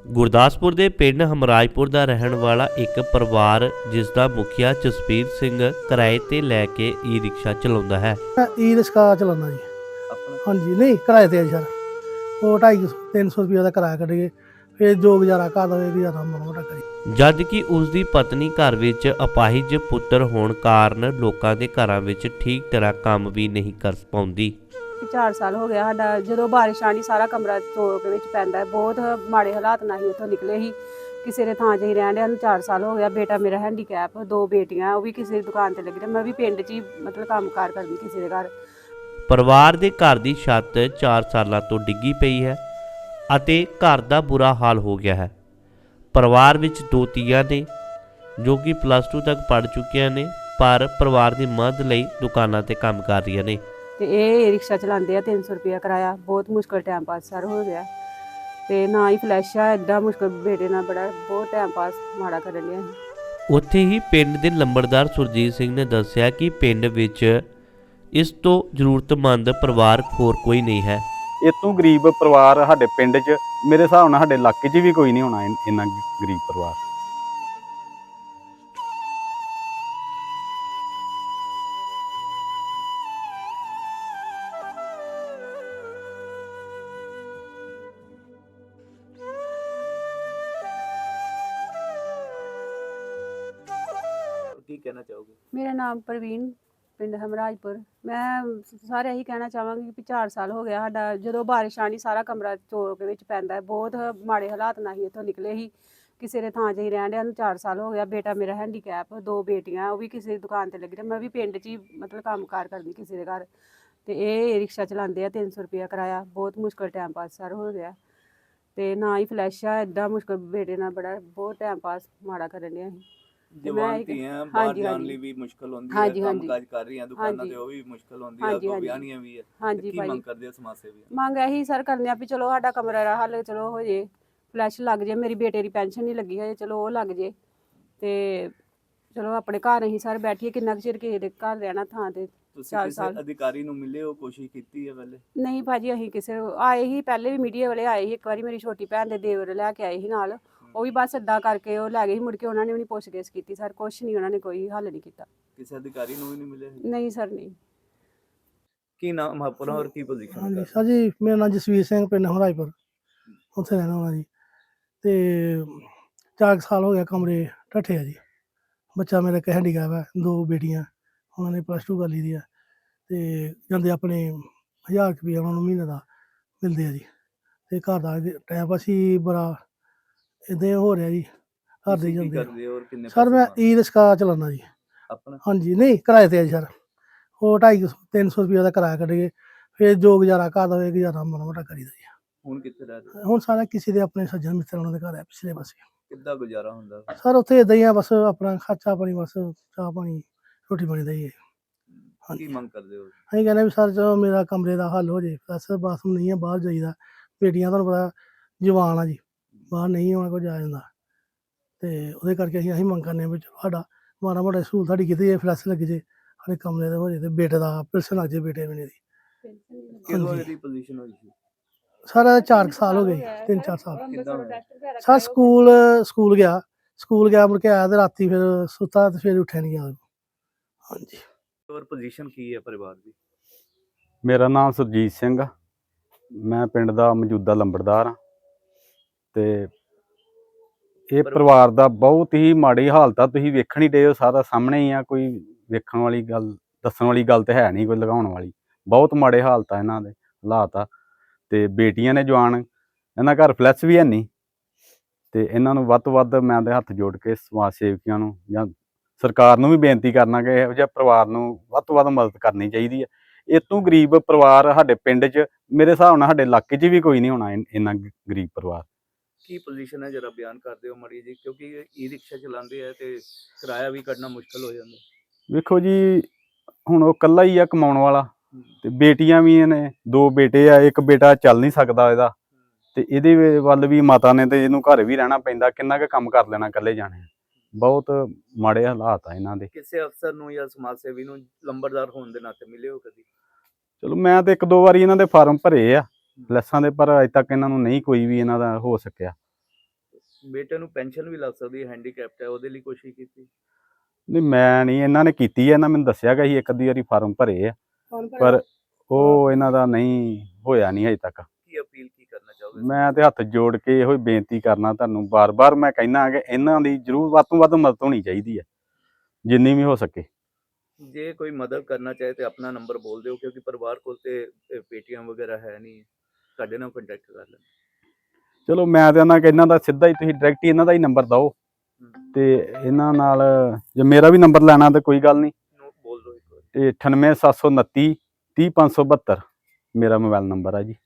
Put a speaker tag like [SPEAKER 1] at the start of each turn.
[SPEAKER 1] ਗੁਰਦਾਸਪੁਰ ਦੇ ਪਿੰਡ ਹਮਰਾਜਪੁਰ ਦਾ ਰਹਿਣ ਵਾਲਾ ਇੱਕ ਪਰਿਵਾਰ ਜਿਸ ਦਾ ਮੁਖੀਆ ਜਸਬੀਰ ਸਿੰਘ ਕਿਰਾਏ ਤੇ ਲੈ ਕੇ ਈ ਰਿਕਸ਼ਾ ਚਲਾਉਂਦਾ ਹੈ।
[SPEAKER 2] ਮੈਂ ਈ ਰਿਕਸ਼ਾ ਚਲਾਉਂਦਾ ਜੀ।
[SPEAKER 3] ਆਪਣਾ
[SPEAKER 2] ਹਾਂਜੀ ਨਹੀਂ ਕਿਰਾਏ ਤੇ ਆ ਜੀ ਸਰ। ਉਹ 250 300 ਰੁਪਏ ਦਾ ਕਿਰਾਇਆ ਕੱਢੀਏ, ਫਿਰ ਜੋ ਗੁਜ਼ਾਰਾ ਘਰ ਦਾ ਹੋਵੇ ਗੁਜ਼ਾਰਾ ਮਾੜਾ ਮੋਟਾ ਕਰੀ।
[SPEAKER 1] ਜਦ ਕਿ ਉਸ ਦੀ ਪਤਨੀ ਘਰ ਵਿੱਚ ਅਪਾਹਿਜ ਪੁੱਤਰ ਹੋਣ ਕਾਰਨ ਲੋਕਾਂ ਦੇ ਘਰਾਂ ਵਿੱਚ ਠੀਕ ਤਰ੍ਹਾਂ ਕੰਮ ਵੀ ਨਹੀਂ ਕਰ ਪਾਉਂਦੀ।
[SPEAKER 4] 4 ਸਾਲ ਹੋ ਗਿਆ ਸਾਡਾ, ਜਦੋਂ ਬਾਰਿਸ਼ ਆਣੀ ਸਾਰਾ ਕਮਰਾ ਚੋਕ ਵਿੱਚ ਪੈਂਦਾ ਹੈ। ਬਹੁਤ ਮਾੜੇ ਹਾਲਾਤ ਨਾਲ ਹੀ ਇੱਥੋਂ ਨਿਕਲੇ ਸੀ। ਕਿਸੇ ਦੇ ਥਾਂ 'ਚ ਹੀ ਰਹਿਣ ਡਿਆ ਨੂੰ 4 ਸਾਲ ਹੋ ਗਿਆ। ਬੇਟਾ ਮੇਰਾ ਹੈਂਡੀਕੈਪ, 2 ਬੇਟੀਆਂ, ਉਹ ਵੀ ਕਿਸੇ ਦੀ ਦੁਕਾਨ ਤੇ ਲੱਗੀ। ਮੈਂ ਵੀ ਪਿੰਡ 'ਚ ਹੀ ਮਤਲਬ ਕੰਮਕਾਰ ਕਰਦੀ ਕਿਸੇ ਦੇ ਘਰ।
[SPEAKER 1] ਪਰਿਵਾਰ ਦੇ ਘਰ ਦੀ ਛੱਤ 4 ਸਾਲਾਂ ਤੋਂ ਡਿੱਗੀ ਪਈ ਹੈ ਅਤੇ ਘਰ ਦਾ ਬੁਰਾ ਹਾਲ ਹੋ ਗਿਆ ਹੈ। ਪਰਿਵਾਰ ਵਿੱਚ 2 ਧੀਆਂ ਨੇ ਜੋ ਕਿ +2 ਤੱਕ ਪੜ੍ਹ ਚੁੱਕੀਆਂ ਨੇ, ਪਰ ਪਰਿਵਾਰ ਦੀ ਮਦਦ ਲਈ ਦੁਕਾਨਾਂ ਤੇ ਕੰਮ ਕਰ ਰਹੀਆਂ ਨੇ।
[SPEAKER 4] ਤੇ ਇਹ ਰਿਕਸ਼ਾ ਚਲਾਉਂਦੇ ਆ, 300 ਰੁਪਇਆ ਕਿਰਾਇਆ। ਬਹੁਤ ਮੁਸ਼ਕਲ ਟਾਈਮ ਪਾਸ ਸਰ ਹੋ ਗਿਆ। ਤੇ ਨਾ ਹੀ ਫਲੈਸ਼ ਆ, ਐਡਾ ਮੁਸ਼ਕਲ ਬੇਟੇ ਨਾਲ ਬੜਾ ਬਹੁਤ ਟਾਈਮ ਪਾਸ ਮਾੜਾ ਕਰਨ ਲਿਆ।
[SPEAKER 1] ਉੱਥੇ ਹੀ ਪਿੰਡ ਦੇ ਲੰਬੜਦਾਰ ਸੁਰਜੀਤ ਸਿੰਘ ਨੇ ਦੱਸਿਆ ਕਿ ਪਿੰਡ ਵਿੱਚ ਇਸ ਤੋਂ ਜ਼ਰੂਰਤਮੰਦ ਪਰਿਵਾਰ ਹੋਰ ਕੋਈ ਨਹੀਂ ਹੈ।
[SPEAKER 3] ਇਤੋਂ ਗਰੀਬ ਪਰਿਵਾਰ ਸਾਡੇ ਪਿੰਡ 'ਚ, ਮੇਰੇ ਹਿਸਾਬ ਨਾਲ ਸਾਡੇ ਇਲਾਕੇ 'ਚ ਵੀ ਕੋਈ ਨਹੀਂ ਹੋਣਾ ਇੰਨਾ ਗਰੀਬ ਪਰਿਵਾਰ। ਕੀ ਕਹਿਣਾ ਚਾਹੋਗੇ?
[SPEAKER 4] ਮੇਰਾ ਨਾਮ ਪ੍ਰਵੀਨ, ਪਿੰਡ ਹਮਰਾਜਪੁਰ। ਮੈਂ ਸਾਰੇ ਇਹੀ ਕਹਿਣਾ ਚਾਹਾਂਗੀ ਕਿ 4 ਸਾਲ ਹੋ ਗਿਆ ਸਾਡਾ, ਜਦੋਂ ਬਾਰਿਸ਼ ਆਣੀ ਸਾਰਾ ਕਮਰਾ ਚੋਕ ਵਿੱਚ ਪੈਂਦਾ ਹੈ। ਬਹੁਤ ਮਾੜੇ ਹਾਲਾਤ ਨਾਲ ਹੀ ਇੱਥੋਂ ਨਿਕਲੇ ਸੀ। ਕਿਸੇ ਦੇ ਥਾਂ 'ਚ ਹੀ ਰਹਿਣ ਡਿਆ ਨੂੰ 4 ਸਾਲ ਹੋ ਗਿਆ। ਬੇਟਾ ਮੇਰਾ ਹੈਂਡੀਕੈਪ, 2 ਬੇਟੀਆਂ, ਉਹ ਵੀ ਕਿਸੇ ਦੀ ਦੁਕਾਨ ਤੇ ਲੱਗੀ। ਮੈਂ ਵੀ ਪਿੰਡ 'ਚ ਹੀ ਮਤਲਬ ਕੰਮਕਾਰ ਕਰਦੀ ਕਿਸੇ ਦੇ ਘਰ। ਤੇ ਇਹ ਰਿਕਸ਼ਾ ਚਲਾਉਂਦੇ ਆ, 300 ਰੁਪਇਆ ਕਿਰਾਇਆ। ਬਹੁਤ ਮੁਸ਼ਕਲ ਟਾਈਮ ਪਾਸ ਸਰ ਹੋ ਗਿਆ। ਤੇ ਨਾ ਹੀ ਫਲੈਸ਼ ਆ, ਐਡਾ ਮੁਸ਼ਕਲ ਬੇਟੇ ਨਾਲ ਬੜਾ ਬਹੁਤ ਟਾਈਮ ਪਾਸ ਮਾੜਾ ਕਰਨ ਲਿਆ ਸੀ।
[SPEAKER 5] ਜਵਾਨ ਧੀਆਂ ਬਾਹਰ ਜਾਣ ਲਈ ਵੀ ਮੁਸ਼ਕਲ ਹੁੰਦੀ ਹੈ, ਕੰਮਕਾਜ ਕਰ ਰਹੀਆਂ ਦੁਕਾਨਾਂ ਤੇ ਉਹ ਵੀ ਮੁਸ਼ਕਲ ਹੁੰਦੀ ਹੈ, ਅੱਗੋਂ ਵਿਆਹਣੀਆਂ ਵੀ ਹੈ। ਕੀ ਮੰਗ ਕਰਦੇ ਹੋ ਸਮਾਜ ਸੇਵੀ?
[SPEAKER 4] ਮੰਗ ਇਹੀ ਸਰ ਕਰਨੇ ਆ ਵੀ ਚਲੋ ਸਾਡਾ ਕਮਰਾ ਦਾ ਹੱਲ ਚਲੋ ਹੋ ਜੇ, ਫਲੈਸ਼ ਲੱਗ ਜੇ। ਮੇਰੀ ਬੇਟੇ ਦੀ ਪੈਨਸ਼ਨ ਨਹੀਂ ਲੱਗੀ ਹੋਏ, ਚਲੋ ਉਹ ਲੱਗ ਜੇ। ਤੇ ਚਲੋ ਆਪਣੇ ਘਰ ਅਸੀਂ ਸਰ ਬੈਠੀਏ, ਕਿੰਨਾ ਕੁ ਚਿਰ ਕਿਸੇ ਦੇ ਘਰ ਰਹਿਣਾ ਥਾਂ ਤੇ।
[SPEAKER 5] ਤੁਸੀਂ ਕਿਸੇ ਅਧਿਕਾਰੀ ਨੂੰ ਮਿਲੇ ਹੋ, ਕੋਸ਼ਿਸ਼ ਕੀਤੀ ਹੈ ਪਹਿਲੇ?
[SPEAKER 4] ਨਹੀਂ ਭਾਜੀ, ਅਸੀਂ ਕਿਸੇ ਆਏ ਹੀ ਪਹਿਲੇ ਵੀ ਮੀਡੀਆ ਵਾਲੇ ਆਏ ਸੀ। ਇੱਕ ਵਾਰੀ ਮੇਰੀ ਛੋਟੀ ਭੈਣ ਦੇ ਦੇਵਰ ਲੈ ਕੇ ਆਏ ਸੀ ਨਾਲ, ਉਹ ਵੀ ਬਸ ਏਦਾਂ ਕਰਕੇ ਉਹ ਲੈ ਗਏ ਸੀ। ਮੁੜ ਕੇ ਉਹਨਾਂ ਨੇ ਵੀ ਨਹੀਂ ਪੁੱਛ-ਗਿੱਛ ਕੀਤੀ ਸਰ, ਕੁਛ ਨਹੀਂ, ਉਹਨਾਂ ਨੇ ਕੋਈ ਹੱਲ ਨਹੀਂ ਕੀਤਾ।
[SPEAKER 5] ਕਿਸੇ ਅਧਿਕਾਰੀ ਨੂੰ ਵੀ ਨਹੀਂ ਮਿਲੇ?
[SPEAKER 4] ਨਹੀਂ ਸਰ, ਨਹੀਂ।
[SPEAKER 5] ਕੀ ਨਾਮ ਆਪਣਾ ਔਰ ਕੀ ਪੋਜੀਸ਼ਨ?
[SPEAKER 2] ਹਾਂਜੀ ਸਰ ਜੀ, ਮੇਰਾ ਨਾਮ ਜਸਵੀਰ ਸਿੰਘ, ਪਿੰਡ ਹਮਰਾਜਪੁਰ, ਉੱਥੇ ਰਹਿਣਾ ਵਾਲਾ ਜੀ। ਤੇ 4 ਸਾਲ ਹੋ ਗਿਆ ਕਮਰੇ ਢੱਠੇ ਆ ਜੀ। ਬੱਚਾ ਮੇਰਾ ਇੱਕ ਹੈਂਡੀਕੈਪ ਹੈ, 2 ਬੇਟੀਆਂ, ਉਹਨਾਂ ਨੇ +2 ਕਰ ਲਈ ਦੀ ਆ। ਤੇ ਜਾਂਦੇ ਆਪਣੇ 1000 ਰੁਪਈਆ ਉਹਨਾਂ ਨੂੰ ਮਹੀਨੇ ਦਾ ਮਿਲਦੇ ਆ ਜੀ। ਤੇ ਘਰ ਦਾ ਟਾਈਮ ਪਾਸ ਹੀ ਬੜਾ ਇੱਦਾਂ ਹੋ ਰਿਹਾ ਜੀ। ਘਰ ਦੇ ਜਾਂਦੇ ਆ। ਸਰ ਮੈਂ ਈ ਰਿਕਸ਼ਾ ਚਲਾਉਂਦਾ ਜੀ।
[SPEAKER 5] ਆਪਣਾ?
[SPEAKER 2] ਹਾਂਜੀ ਨਹੀਂ ਕਿਰਾਏ ਤੇ ਆ ਜੀ ਸਰ। ਉਹ 250 300 ਰੁਪਏ ਦਾ ਕਿਰਾਇਆ ਕੱਢੀਏ, ਫਿਰ ਜੋ ਗੁਜ਼ਾਰਾ ਘਰ ਦਾ ਹੋਵੇ ਗੁਜ਼ਾਰਾ ਮਾੜਾ ਮੋਟਾ ਕਰੀਦਾ ਜੀ।
[SPEAKER 5] ਹੁਣ ਕਿੱਥੇ ਰਹਿ ਰਹੇ?
[SPEAKER 2] ਹੁਣ ਸਾਰਾ ਕਿਸੇ ਦੇ ਆਪਣੇ ਸੱਜਣ ਮਿੱਤਰ ਉਹਨਾਂ ਦੇ ਘਰ ਹੈ ਪਿਛਲੇ ਪਾਸੇ।
[SPEAKER 5] ਕਿੱਦਾਂ ਗੁਜ਼ਾਰਾ ਹੁੰਦਾ?
[SPEAKER 2] ਸਰ ਉੱਥੇ ਇੱਦਾਂ ਹੀ ਆ, ਬਸ ਆਪਣਾ ਖਰਚਾ ਪਾਣੀ, ਬਸ ਚਾਹ ਪਾਣੀ ਰੋਟੀ ਪਾਣੀ ਦਾ ਹੀ ਹੈ।
[SPEAKER 5] ਕੀ ਮੰਗ ਕਰਦੇ ਹੋ?
[SPEAKER 2] ਅਸੀਂ ਕਹਿੰਦੇ ਵੀ ਸਰ ਚਲੋ ਮੇਰਾ ਕਮਰੇ ਦਾ ਹੱਲ ਹੋ ਜੇ। ਬਸ ਬਾਥਰੂਮ ਨਹੀਂ ਹੈ, ਬਾਹਰ ਜਾਈਦਾ। ਬੇਟੀਆਂ ਤੁਹਾਨੂੰ ਪਤਾ ਜਵਾਨ ਆ ਜੀ, ਬਾਹਰ ਨਹੀਂ ਉਹਨਾਂ ਕੋਲ ਜਾ ਜਾਂਦਾ। ਤੇ ਉਹਦੇ ਕਰਕੇ ਅਸੀਂ ਮੰਗ ਕਰਨੇ ਹਾਂ ਵੀ ਚਲੋ ਸਾਡਾ ਮਾੜਾ ਮੋਟਾ ਸਹੂਲਤ ਸਾਡੀ ਕੀਤੀ ਜਾਏ, ਫਲੈਸ਼ ਲੱਗ ਜੇ, ਸਾਡੇ ਕਮਰੇ ਦਾ ਹੋ ਜੇ, ਤੇ ਬੇਟੇ ਦਾ ਪੈਨਸ਼ਨ ਲੱਗ ਜੇ ਬੇਟੇ ਮੇਰੇ ਦੀ।
[SPEAKER 5] ਕਿਹਦੋਂ ਇਹਦੀ ਪੋਜੀਸ਼ਨ ਹੋਈ ਸੀ?
[SPEAKER 2] ਸਰ 4 ਸਾਲ ਹੋ ਗਏ, 3-4 ਸਾਲ।
[SPEAKER 5] ਕਿੱਦਾਂ ਹੋਇਆ?
[SPEAKER 2] ਸਰ ਸਕੂਲ ਗਿਆ, ਮੁੜ ਕੇ ਆਇਆ ਤੇ ਰਾਤੀ ਫਿਰ ਸੁੱਤਾ ਤੇ ਫਿਰ ਉੱਠਿਆ ਨਹੀਂ ਗਿਆ। ਹਾਂਜੀ।
[SPEAKER 5] ਔਰ ਪੋਜੀਸ਼ਨ ਕੀ ਹੈ ਪਰਿਵਾਰ ਦੀ?
[SPEAKER 3] ਮੇਰਾ ਨਾਮ ਸੁਰਜੀਤ ਸਿੰਘ ਆ, ਮੈਂ ਪਿੰਡ ਦਾ ਮੌਜੂਦਾ ਲੰਬੜਦਾਰ ਹਾਂ। ਤੇ ਇਹ ਪਰਿਵਾਰ ਦਾ ਬਹੁਤ ਹੀ ਮਾੜੀ ਹਾਲਤ ਆ, ਤੁਸੀਂ ਵੇਖਣ ਹੀ ਡਏ ਹੋ, ਸਾਰਾ ਸਾਹਮਣੇ ਹੀ ਆ। ਕੋਈ ਵੇਖਣ ਵਾਲੀ ਗੱਲ, ਦੱਸਣ ਵਾਲੀ ਗੱਲ ਤਾਂ ਹੈ ਨਹੀਂ ਕੋਈ ਲਗਾਉਣ ਵਾਲੀ। ਬਹੁਤ ਮਾੜੇ ਹਾਲਤ ਆ ਇਹਨਾਂ ਦੇ, ਹਾਲਾਤ ਆ। ਤੇ ਬੇਟੀਆਂ ਨੇ ਜਵਾਨ, ਇਹਨਾਂ ਘਰ ਫਲੈਸ਼ ਵੀ ਹੈ ਨਹੀਂ। ਤੇ ਇਹਨਾਂ ਨੂੰ ਵੱਧ ਤੋਂ ਵੱਧ ਮੈਂ ਦੇ ਹੱਥ ਜੋੜ ਕੇ ਸਮਾਜ ਸੇਵੀਆਂ ਨੂੰ ਜਾਂ ਸਰਕਾਰ ਨੂੰ ਵੀ ਬੇਨਤੀ ਕਰਨਾ ਕਿ ਇਹੋ ਜਿਹੇ ਪਰਿਵਾਰ ਨੂੰ ਵੱਧ ਤੋਂ ਵੱਧ ਮਦਦ ਕਰਨੀ ਚਾਹੀਦੀ ਹੈ। ਇਤੋਂ ਗਰੀਬ ਪਰਿਵਾਰ ਸਾਡੇ ਪਿੰਡ 'ਚ, ਮੇਰੇ ਹਿਸਾਬ ਨਾਲ ਸਾਡੇ ਇਲਾਕੇ 'ਚ ਵੀ ਕੋਈ ਨਹੀਂ ਹੋਣਾ ਇੰਨਾ ਗਰੀਬ ਪਰਿਵਾਰ।
[SPEAKER 5] ਕੀ ਪੋਜੀਸ਼ਨ ਹੈ ਜਰਾ ਬਿਆਨ ਕਰਦੇ ਹੋ ਮਾੜੀ ਜੀ, ਕਿਉਂਕਿ ਈ ਰਿਕਸ਼ਾ ਚਲਾਉਂਦੇ ਆ ਤੇ ਕਿਰਾਇਆ ਵੀ ਕੱਢਣਾ ਮੁਸ਼ਕਲ ਹੋ ਜਾਂਦਾ।
[SPEAKER 3] ਵੇਖੋ ਜੀ, ਹੁਣ ਉਹ ਇਕੱਲਾ ਹੀ ਆ ਕਮਾਉਣ ਵਾਲਾ, ਤੇ ਬੇਟੀਆਂ ਵੀ ਨੇ, 2 ਬੇਟੇ ਆ, ਇੱਕ ਬੇਟਾ ਚੱਲ ਨਹੀਂ ਸਕਦਾ ਇਹਦਾ। ਤੇ ਇਹਦੇ ਵੱਲ ਵੀ ਮਾਤਾ ਨੇ ਤੇ ਇਹਨੂੰ ਘਰ ਵੀ ਰਹਿਣਾ ਪੈਂਦਾ, ਕਿੰਨਾ ਕੁ ਕੰਮ ਕਰ ਲੈਣਾ ਇਕੱਲੇ ਜਾਣੇ। ਬਹੁਤ ਮਾੜੇ ਹਾਲਾਤ ਆ ਇਹਨਾਂ ਦੇ।
[SPEAKER 5] ਕਿਸੇ ਅਫਸਰ ਨੂੰ ਜਾਂ ਸਮਾਜ ਸੇਵੀ ਨੂੰ ਲੰਬੜਦਾਰ ਹੋਣ ਦੇ ਨਾਤੇ ਮਿਲੇ ਹੋ ਕਦੀ?
[SPEAKER 3] ਚਲੋ ਮੈਂ ਤੇ 1-2 ਵਾਰੀ ਇਹਨਾਂ ਦੇ ਫਾਰਮ ਭਰੇ ਆ ਫਲੈਸਾਂ ਦੇ, ਪਰ ਅਜੇ ਤੱਕ ਇਹਨਾਂ ਨੂੰ ਨਹੀਂ ਕੋਈ ਵੀ ਇਹਨਾਂ ਦਾ ਹੋ ਸਕਿਆ।
[SPEAKER 5] ਬੇਟੇ ਨੂੰ ਪੈਨਸ਼ਨ ਵੀ ਲੱਗ ਸਕਦੀ ਹੈ, ਹੈਂਡੀਕੈਪਟ ਹੈ, ਉਹਦੇ ਲਈ ਕੋਸ਼ਿਸ਼ ਕੀਤੀ?
[SPEAKER 3] ਨਹੀਂ ਮੈਂ ਨਹੀਂ, ਇਹਨਾਂ ਨੇ ਕੀਤੀ ਹੈ, ਇਹਨਾਂ ਮੈਨੂੰ ਦੱਸਿਆ ਕਿ ਅਸੀਂ ਇੱਕ ਅੱਧੀ ਵਾਰੀ ਫਾਰਮ ਭਰੇ ਆ, ਪਰ ਉਹ ਇਹਨਾਂ ਦਾ ਨਹੀਂ ਹੋਇਆ ਨਹੀਂ ਅਜੇ ਤੱਕ।
[SPEAKER 5] ਕੀ ਅਪੀਲ ਕੀ ਕਰਨਾ ਚਾਹੋਗੇ?
[SPEAKER 3] ਮੈਂ ਤੇ ਹੱਥ ਜੋੜ ਕੇ ਇਹੋ ਹੀ ਬੇਨਤੀ ਕਰਨਾ ਤੁਹਾਨੂੰ, ਬਾਰ-ਬਾਰ ਮੈਂ ਕਹਿਣਾ ਕਿ ਇਹਨਾਂ ਦੀ ਜ਼ਰੂਰ ਵੱਧ ਤੋਂ ਵੱਧ ਮਦਦ ਹੋਣੀ ਚਾਹੀਦੀ ਹੈ, ਜਿੰਨੀ ਵੀ ਹੋ ਸਕੇ।
[SPEAKER 5] ਜੇ ਕੋਈ ਮਦਦ ਕਰਨਾ ਚਾਹੇ ਤੇ ਆਪਣਾ ਨੰਬਰ ਬੋਲ ਦਿਓ, ਕਿਉਂਕਿ ਪਰਿਵਾਰ ਕੋਲ ਤੇ ਪੇਟੀਐਮ ਵਗੈਰਾ ਹੈ ਨਹੀਂ, ਤੁਹਾਡੇ ਨਾਲ ਕੰਟੈਕਟ ਕਰ ਲੈਣ।
[SPEAKER 3] ਚਲੋ ਮੈਂ ਤੇ ਇਹਨਾਂ ਕਿ ਇਹਨਾਂ ਦਾ ਸਿੱਧਾ ਹੀ ਤੁਸੀਂ ਡਾਇਰੈਕਟ ਹੀ ਇਹਨਾਂ ਦਾ ਹੀ ਨੰਬਰ ਦਿਓ, ਤੇ ਇਹਨਾਂ ਨਾਲ ਜੇ ਮੇਰਾ ਵੀ ਨੰਬਰ ਲੈਣਾ ਤਾਂ ਕੋਈ ਗੱਲ ਨਹੀਂ,
[SPEAKER 5] ਬੋਲ ਦਿਓ ਇੱਕ ਵਾਰ।
[SPEAKER 3] ਤੇ 98729 30572 ਮੇਰਾ ਮੋਬਾਈਲ ਨੰਬਰ ਆ ਜੀ।